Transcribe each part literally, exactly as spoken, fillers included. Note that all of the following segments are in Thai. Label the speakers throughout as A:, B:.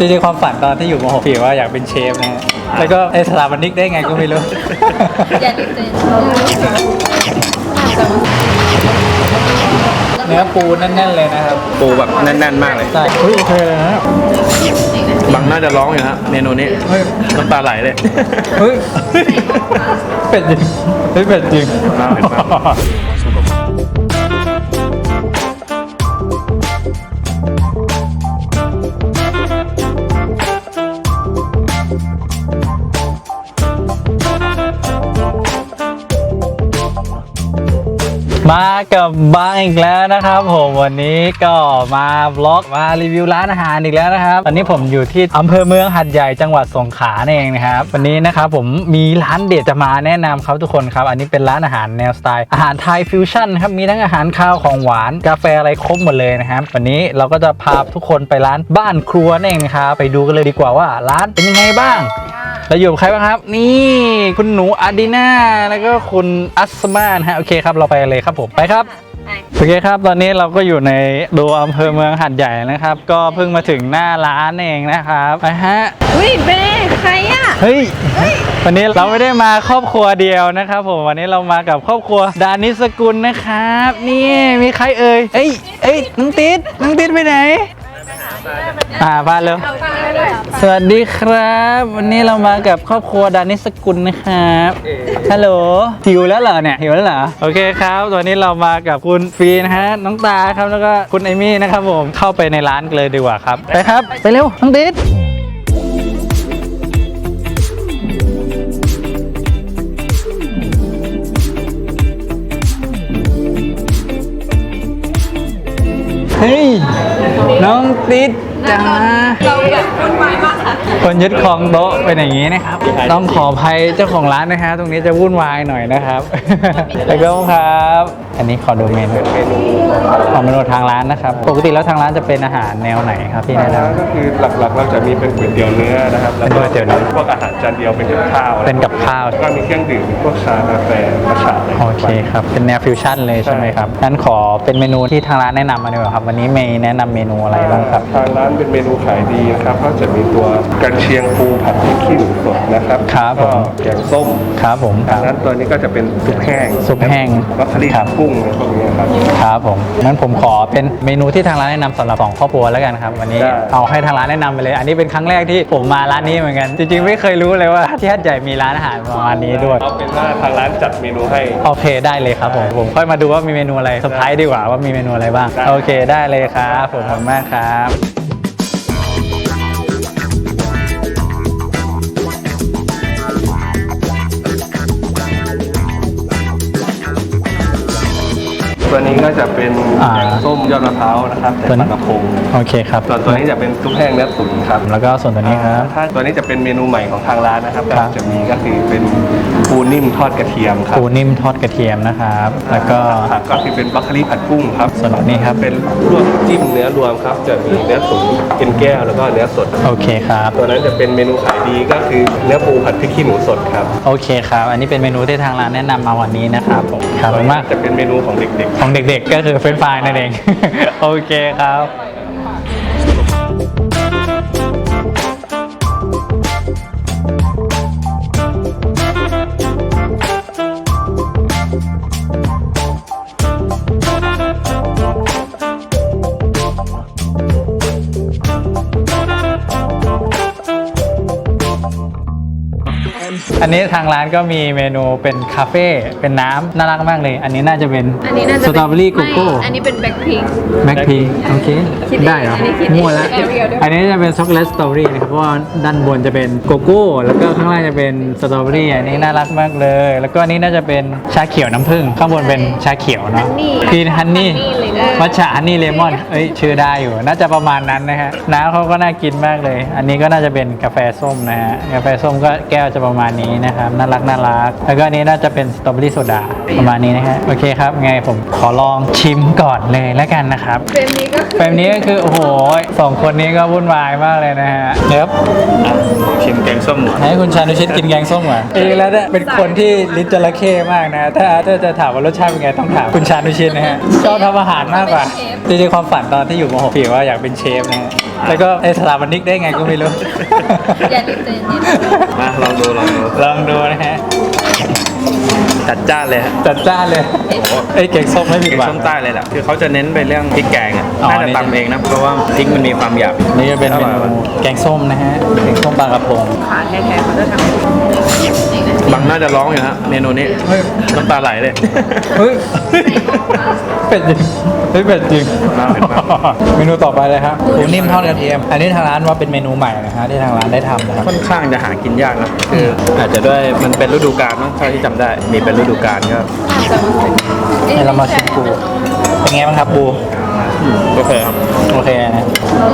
A: ริงๆความฝันตอนที่อยู่ม .หก พี่ว่าอยากเป็นเชฟนะฮะแล้วก็ไอสถาปนิกได้ไงก็ไม่รู้
B: อย่าติดเต้น
A: เนื้อปูแน่นๆเลยนะครับ
C: ปูแบบแน่นๆมากเลย
A: ใช่เฮ้ยโอเคเลยนะ
C: บางน่าจะร้องอยู่ฮะเมนูนี้น้ำตาไหลเลย
A: เฮ้ยเป็ดจริงเฮ้ยเป็ดจริง
C: น่าเห็นมาก
A: มากับบ้างอีกแล้วนะครับผมวันนี้ก็มาบล็อกมารีวิวร้านอาหารอีกแล้วนะครับตอนนี้ผมอยู่ที่อำเภอเมืองหาดใหญ่จังหวัดสงขลาเองนะครับวันนี้นะครับผมมีร้านเด็ดจะมาแนะนำครับทุกคนครับอันนี้เป็นร้านอาหารแนวสไตล์อาหารไทยฟิวชั่นครับมีทั้งอาหารข้าวของหวานกาแฟอะไรครบหมดเลยนะครับวันนี้เราก็จะพาทุกคนไปร้านบ้านครัวเองนะครับไปดูกันเลยดีกว่าว่าร้านเป็นยังไงบ้างเราอยู่กับใครบ้างครับนี่คุณหนูอาดีน่าแล้วก็คุณอัสมานะฮะโอเคครับเราไปเลยครับผมไปครับโอเคครับตอนนี้เราก็อยู่ในตัวอำเภอเมืองหาดใหญ่นะครับก็เพิ่งมาถึงหน้าร้านเองนะครับไปฮะ
B: อุ้ยเบ้ใครอ่ะ
A: เฮ้ยวันนี้เราไม่ได้มาครอบครัวเดียวนะครับผมวันนี้เรามากับครอบครัวดานิสกุลนะครับนี่มีใครเอ่ยเอ้ยเอ้ยน้องติ๊ดน้องติ๊ดไปไหนอ่าบ้านเร็วสวัสดีครับวันนี้เรามากับครอบครัวดานิสกุลนะครับฮัลโหลหิวแล้วเหรอเนี่ยหิวแล้วเหรอโอเคครับตอนนี้เรามากับคุณฟีนะฮะน้องตาครับแล้วก็คุณไอมี่นะครับผมเข้าไปในร้านกันเลยดีกว่าครับไปครับไปเร็วน้องติ๊ดเฮ้ยน้องติ๊ดจ้า
B: เราแบบวุ่นวายมากค่ะ
A: คนยึดครองโต๊ะเป็นอย่างนี้นะครับต้องขออภัยเจ้าของร้านนะฮะตรงนี้จะวุ่นวายหน่อยนะครับแล้วก็ครับอันนี้ขอดูเมนูเมนูของเมนูทางร้านนะครับปกติแล้วทางร้านจะเป็นอาหารแนวไหนครับพี่แนะนำ
C: ก็คือหลักๆเราจะมีเป็นก๋วยเตี๋ยวเนื้อนะครับแล้วก็
A: ก๋วยเตี๋ยวเนื้อ
C: พวกอาหารจานเดียวเป็นกับข้าว
A: เป็นกับข้าว
C: ก็มีเครื่องดื่มพวกชากาแฟมัทฉะ
A: โอเคครับเป็นแนวฟิวชั่นเลยใช่ไหมครับงั้นขอเป็นเมนูที่ทางร้านแนะนำมาดีกว่าครับวันนี้เมย์แนะนำเมนูอะไรบ้างครับ
C: ทางร้านเป็นเมนูขายดีนะครับก็จะมีตัวกันเชียงปูผัดพริกขี้หนูสดนะครับ
A: ครับผม
C: แกงส้ม
A: ครับผม
C: ทางนั้นตัวนี้ก็จะเป็นซุปแห้ง
A: ซุปแห้ง
C: วัคลีกุ้งพวกนี้ครับ
A: ครับผมงั้นผมขอเป็นเมนูที่ทางร้านแนะนำสำหรับสองครอบครัวแล้วกันครับวันนี้เอาให้ทางร้านแนะนำไปเลยอันนี้เป็นครั้งแรกที่ผมมาร้านนี้เหมือนกันจริงๆไม่เคยรู้เลยว่าที่หาดใหญ่มีร้านอาหารประมาณนี้ด้วย
C: เอาเป็นว่าทางร้านจัดเมนูให้
A: โอเคได้เลยครับผมผมค่อยมาดูว่ามีเมนูอะไรเซอร์ไพรส์ดีกว่าว่ามีเมนูอะไรบ้างโอเคได้เลยครับผมขอบคุณมากครับ
C: ตัวนี้ก็จะเป็นแกงส้มยอดมะพร้าวนะครับแต่ปลากระพง
A: โอเคครับ
C: ส่วนตัวนี้จะเป็นซุปแห้งเนื้อตุ๋นครับ
A: แล้วก็ส่วนตัวนี้ครับ
C: ถ้าตัวนี้จะเป็นเมนูใหม่ของทางร้านนะครับจะมีก็คือเป็นปูนิ่มทอดกระเทียมครับ
A: ปูนิ่มทอดกระเทียมนะครับแล้วก็
C: ก็คือเป็นบรอกโคลีผัดกุ้งครับ
A: ส่วนนี้ครับ
C: เป็นลวกจิ้มเนื้อรวมครับจะมีเนื้อตุ๋นเป็นแก้วแล้วก็เนื้อสด
A: โอเคครับ
C: ตัวนั้นจะเป็นเมนูขายดีก็คือเนื้อปูผัดพริกขี้หนูสดครับ
A: โอเคครับอันนี้เป็นเมนูที่ทางร้านแนะนำมาวันนี้นะครับผม
C: ครับมากจะเป็นเมนูของเด็ก
A: ๆของเด็กๆก็คือเฟรนช์ฟรายนั่นเองโอเคครับอันนี้ทางร้านก็มีเมนูเป็นคาเฟ่เป็นน้ำน่ารักมากเลยอันนี้น่าจะเป็นสตรอเบอรี่โกโก้
B: อันนี้เป็นแบ็คพิง
A: แบ็คพิงโอเคได้เหรอมั่วแล้วอันนี้จะเป็นช็อกโกแลตสตรอเบอรี่นะครับเพราะว่าด้านบนจะเป็นโกโก้แล้วก็ข้างล่างจะเป็นสตรอเบอรี่อันนี้น่ารักมากเลยแล้วก็อันนี้น่าจะเป็นชาเขียวน้ำผึ้งข้างบนเป็นชาเขียวเนาะพีนฮันนี่มัทฉะฮันนี่เลมอนเอ้ยชื่อได้อยู่น่าจะประมาณนั้นนะฮะน้ำเขาก็น่ากินมากเลยอันนี้ก็น่าจะเป็นกาแฟส้มนะฮะกาแฟส้มก็แก้วจะประมาณนี้นะครับน่ารักน่ารักแล้วก็อันนี้น่าจะเป็นสตรอเบอรี่โซดาประมาณนี้นะฮะโอเคครับไงผมขอลองชิมก่อนเลยแล้วกันนะครับ
B: เฟรมนี้ก็
A: เฟรมนี้ก็คือโอ้โหสองคนนี้ก็วุ่นวายมากเลยนะฮะเดี๋ยว
C: ชิมแกงส้ม
A: ให้คุณชานุชิตกินแกงส้มก่อนเองแล้วเนี่ยเป็นคนที่ลิ้นจระเข้มากนะถ้าถ้าจะถามว่ารสชาติเป็นไงต้องถามคุณชานุชิตนะฮะชอบทำอาหารมากกว่าจริงๆความฝันตอนที่อยู่ม .หก พี่ว่าอยากเป็นเชฟนะฮะแล้วก็ไอสถาปนิกได้ไงก็ไม่รู้
B: อย่ารีบใจเย็น
C: มาลองดูลองดู
A: ลองดูนะฮะ
C: จัดจ้านเลยฮะ
A: จัดจ้านเลยไอ้เก่งส้มไม่ผิด
C: พริก
A: หวัง
C: ส้มใต้เลยแหละคือเขาจะเน้นไปเรื่องพริกแกงอ่ะ
A: อ๋อ
C: น่าจะตำเองนะเพราะว่าพริกมันมีความหยาบ
A: นี่จะเป็น
C: อ
A: เม
C: ร่อย
A: นู
C: ว่ะ
A: แกงส้มนะฮะแกงส้มปลากระพง
B: ขาแท้ๆเขาจะทำ
C: บางน่าจะร้องอยู่ฮะเมนูนี้
A: เฮ้ย
C: น้ำตาไหลเลย
A: เฮ้ยเป็ดจริงเฮ้ยเป็ดจริง
C: น่าเผ็ดมาก
A: เมนูต่อไปเลยครับปูนิ่มทอดกระเทียม อันนี้ทางร้านว่าเป็นเมนูใหม่นะฮะที่ทางร้านได้ทำนะครับ
C: ค่อนข้างจะหากินยากนะคืออาจจะด้วยมันเป็นฤดูกาลเนอะเท่าที่จำได้มีเป็นฤดูกาลก็
A: ให้เรามาชิมปูเป็นไงบ้างครับปู
C: โอเคครับ
A: โอเคนะ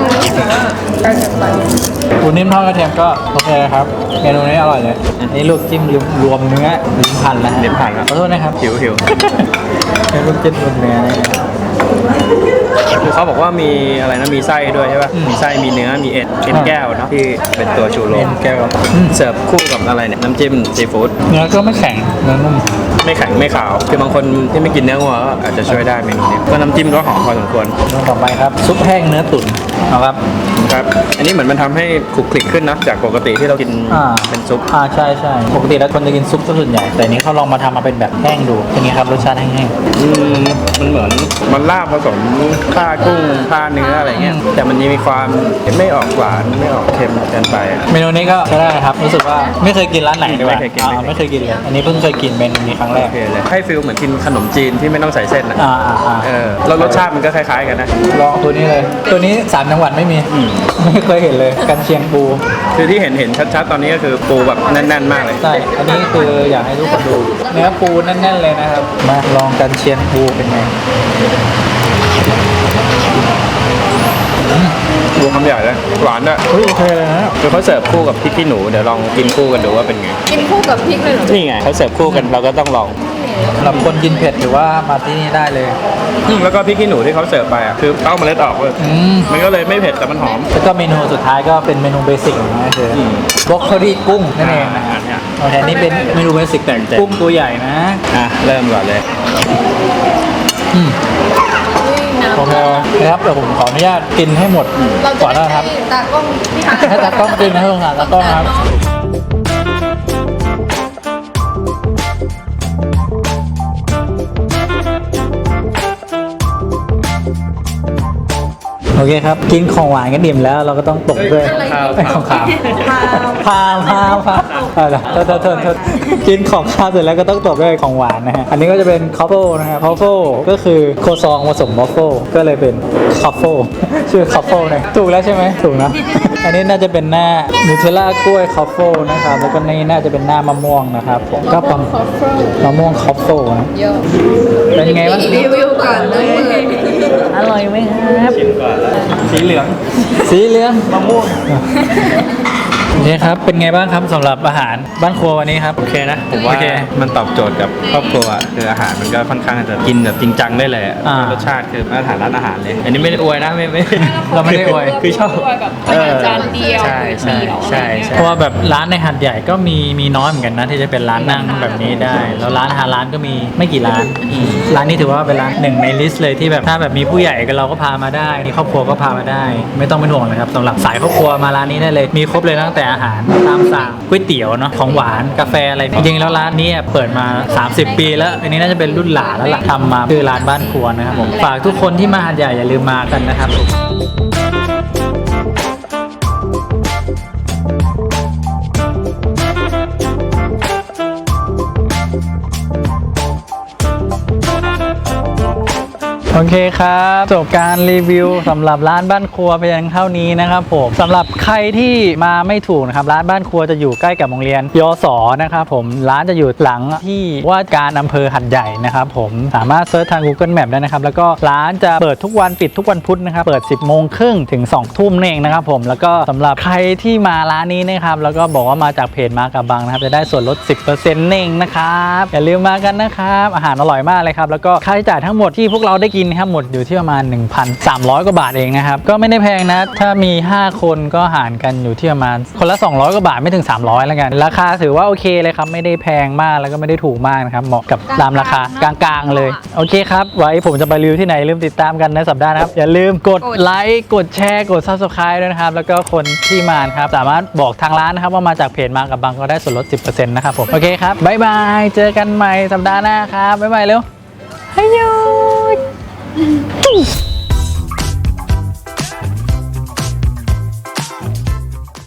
A: ปูนิ่มทอดกระเทียมก็โอเคครับเมนูนี้อร่อยเลยอันนี้ลูกจิ้มรวมเนื้อลิ้นพันแล้วฮะ
C: ลิ้นพันแล้ว
A: ขอโทษนะครับ
C: หิวหิว
A: เป็นลูกจิ้มรวมเนื้อนะฮะ
C: คือเขาบอกว่ามีอะไรนะมีไส้ด้วยใช่ป่ะ
A: อืม
C: มีไส้มีเนื้อมีเอ็ดเอ็นแก้วเนาะที่เป็นตัวชูโร
A: เป็
C: ส
A: นแก้วอืม
C: เสิร์ฟคู่กับอะไรเนี่ยน้ำจิ้มซีฟู้ด
A: เนื้อก็ไม่แข็งเนื้อนุ่ม
C: ไม่แข็งไม่ขาวคือบางคนที่ไม่กินเนื้อวัวก็อาจจะช่วยได้เมนูนี้ก็น้ำจิ้มก็หอมพอสมควร
A: เมนูต่อไปครับซุปแห้งเนื้อตุ๋นเอาครับ
C: ครับอันนี้เหมือนมันทำให้คลุกคลิกขึ้นนะจากปกติที่เรากิน
A: อ่า
C: เป็นซุป
A: อ่าใช่ใช่ปกติแล้วคนจะกินซุปซะส่วนใหญ่แต่อันนี้เขาลองมาทำมาเป็นแบบแห้งดูเป็นไงครับรสชาติแห้ง
C: อืมมันเหมือนมันลาบผสมข้ากุ้งข้าเนื้ออะไรเงี้ยแต่มันยังมีความไม่ออกหวานไม่ออกเค็มเกินไปอ่ะ
A: ๆเมนูนี้ก็ใช้ได้ครับรู้สึกว่าไม่เคยกินร้านไหนดีกว่า
C: ไม่เคยกิน
A: อ่าไม่เคยกินเลยอันนี้เพิ่งเคยกินเมนูนี้ครั้งแร
C: โอก เคเลยให้ฟิลเหมือนกินขนมจีนที่ไม่ต้องใส่เส้นอ่ะ
A: อ่าอ่าอ่า
C: เออแล้วรสชาติมันก็คล้ายๆกันนะ
A: ลองตัวนี้เลย ตัวนี้สามจังหวัดไม่มี
C: อืม
A: ไม่เคยเห็นเลยกันเชียงปู
C: คือที่เห็นเห็นชัดๆตอนนี้ก็คือปูแบบแน่นๆมากเลย
A: ใช่อันนี้คืออยากให้ทุกคนดูเนื้อปูแน่นๆเลยนะครับมาลองกันเชียงปูเป็นไง
C: ปูคำใหญ่เลยหวานด้วย
A: เฮ้ยโอเคเลยนะ
C: คือเขาเสิร์ฟคู่กับพริกขี้หนูเดี๋ยวลองกินคู่กันดูว่าเป็นไง
B: กินคู่กับพริกเลยเหรอ
C: นี่ไงเขาเสิร์ฟคู่กันเราก็ต้องลอง
A: สำหรับคนกินเผ็ดหรือว่ามาที่นี่ได้เลย
C: อืมแล้วก็พริกขี้หนูที่เขาเสิร์ฟไปอ่ะคือเต้าเมล็ดออกเลย
A: อืม
C: มันก็เลยไม่เผ็ดแต่มันหอม
A: แล้วก็เมนูสุดท้ายก็เป็นเมนูเบสิกนะก็คืออ
C: ม
A: บล็อกโคลี่กุ้งนั่นเองนะ
C: อ่า
A: ฮะ
C: เนี่ย
A: โอเคนี่เป็นเมนูเบสิกแต่กุ้งตัวใหญ่นะ
C: อ่ะเริ่มก่อนเลย
A: อืม
B: อุ้ยน้ำ
A: โอเคนะครับเดี๋ยวผมขออนุญาตกินให้หมด
B: เรา
A: ก่อน
B: จะ
A: นะครับ
B: ให้ตากล้องพี่ฮา
A: ให้ตากล้องกินนะสงสารตากล้องนะครับโอเคครับกินของหวานกันดิ่มแล้วเราก็ต้องตกด้วย
C: ข้าว
A: ไอ้ของขาว
B: พา
A: พาพาพาอะไรโทษโทษโทษโทษกินของข้าวเสร็จแล้วก็ต้องตบด้วยของหวานนะฮะ อันนี้ก็จะเป็นคอฟเฟิลนะฮะคอฟเฟิลก็คือโคซองผสมวอฟเฟิลก็เลยเป็นคอฟเฟิลชื่อคอฟเฟิลเนี่ยถูกแล้วใช่ไหมถูกนะ อันนี้น่าจะเป็นหน้านูเทลล่ากล้วยคอฟเฟิลนะครับ แล้วก็นี่น่าจะเป็นหน้ามะม่วงนะครับผมก็ประมาณ
B: คอฟเฟิล
A: มะม่วงคอฟเฟิลนะ
B: เยอะ
A: เป็นไงบ้าง
B: รีวิวก่อนเลย
A: อร่อยไหมครับ
C: ชิมก่อนแล้วสีเหลือง
A: สีเหลือง
C: มะม่วง
A: โอเคครับ เป็นไงบ้างครับสำหรับอาหารบ้านครัววันนี้ครับ
C: โอเคนะผมว่า
A: โอเค
C: มันตอบโจทย์กับครอบครัวคืออาหารมันก็ค่อนข้างจะกินแบบจริงจังได้เลยอะ
A: อ่าร
C: สชาติคือมาตรฐานร้านอาหารเลย อันนี้ไม่ได้อวยนะไม่ไม่
A: เราไม่ได้อวย
C: คือชอบ
B: แบบอาหารจานเดียว
C: ใช่ใช่ใช่ใช่
A: เพราะว่าแบบร้านในหัดใหญ่ก็มีมีน้อยเหมือนกันนะที่จะเป็นร้านนั่งแบบนี้ได้ แล้วร้านอาหารร้านก็มีไม่กี่ร้าน ร้านนี้ถือว่าเป็นร้านหนึ่งในลิสต์เลยที่แบบถ้าแบบมีผู้ใหญ่ก็เราก็พามาได้มีครอบครัวก็พามาได้ ไม่ต้องเป็นห่วงนะครับสำหรับสายครอบครัวมาร้านนี้ได้เลย มีครบเลยตั้งแต่อาหารตามสั่งก๋วยเตี๋ยวเนาะของหวานกาแฟอะไรจริงๆแล้วร้านนี้เปิดมาสามสิบปีแล้วอันนี้น่าจะเป็นรุ่นหลานแล้วล่ะทำมาคือร้านบ้านครัวนะครับผมฝากทุกคนที่มาหัดใหญ่อย่าลืมมากันนะครับ โอเคครับจบการรีวิวสำหรับร้านบ้านครัวเพียงเท่านี้นะครับผมสำหรับใครที่มาไม่ถูกนะครับร้านบ้านครัวจะอยู่ใกล้กับโรงเรียนยศนะครับผมร้านจะอยู่หลังที่ว่าการอำเภอหัดใหญ่นะครับผมสามารถเซิร์ชทาง Google Map ได้นะครับแล้วก็ร้านจะเปิดทุกวันปิดทุกวันพุธนะครับเปิด สิบโมงครึ่งถึง สองทุ่มนั่นเองนะครับผมแล้วก็สำหรับใครที่มาร้านนี้นะครับแล้วก็บอกว่ามาจากเพจมากับบังนะครับจะได้ส่วนลด สิบเปอร์เซ็นต์ เองนะครับอย่าลืมมากันนะครับอาหารอร่อยมากเลยครับแล้วก็ค่าใช้จ่ายทั้งหมดที่พวกเราได้กินนะครับหมดอยู่ที่ประมาณ หนึ่งพันสามร้อย กว่าบาทเองนะครับก็ไม่ได้แพงนะถ้ามีห้าคนก็หารกันอยู่ที่ประมาณคนละสองร้อยกว่าบาทไม่ถึงสามร้อยแล้วกันราคาถือว่าโอเคเลยครับไม่ได้แพงมากแล้วก็ไม่ได้ถูกมากนะครับเหมาะกับตามราคากลางๆเลยโอเคครับไว้ผมจะไปรีวิวที่ไหนลืมติดตามกันในสัปดาห์นะครับอย่าลืมกดไลค์กดแชร์กด ซับสไครบ์ ด้วยนะครับแล้วก็คนที่มาครับสามารถบอกทางร้านนะครับว่ามาจากเพจมากับบังก็ได้ส่วนลด สิบเปอร์เซ็นต์ นะครับผมโอเคครับบ๊ายบายเจอกันใหม่สัปดาห์หน้าครับบ๊ายบายเร็วฮัยโย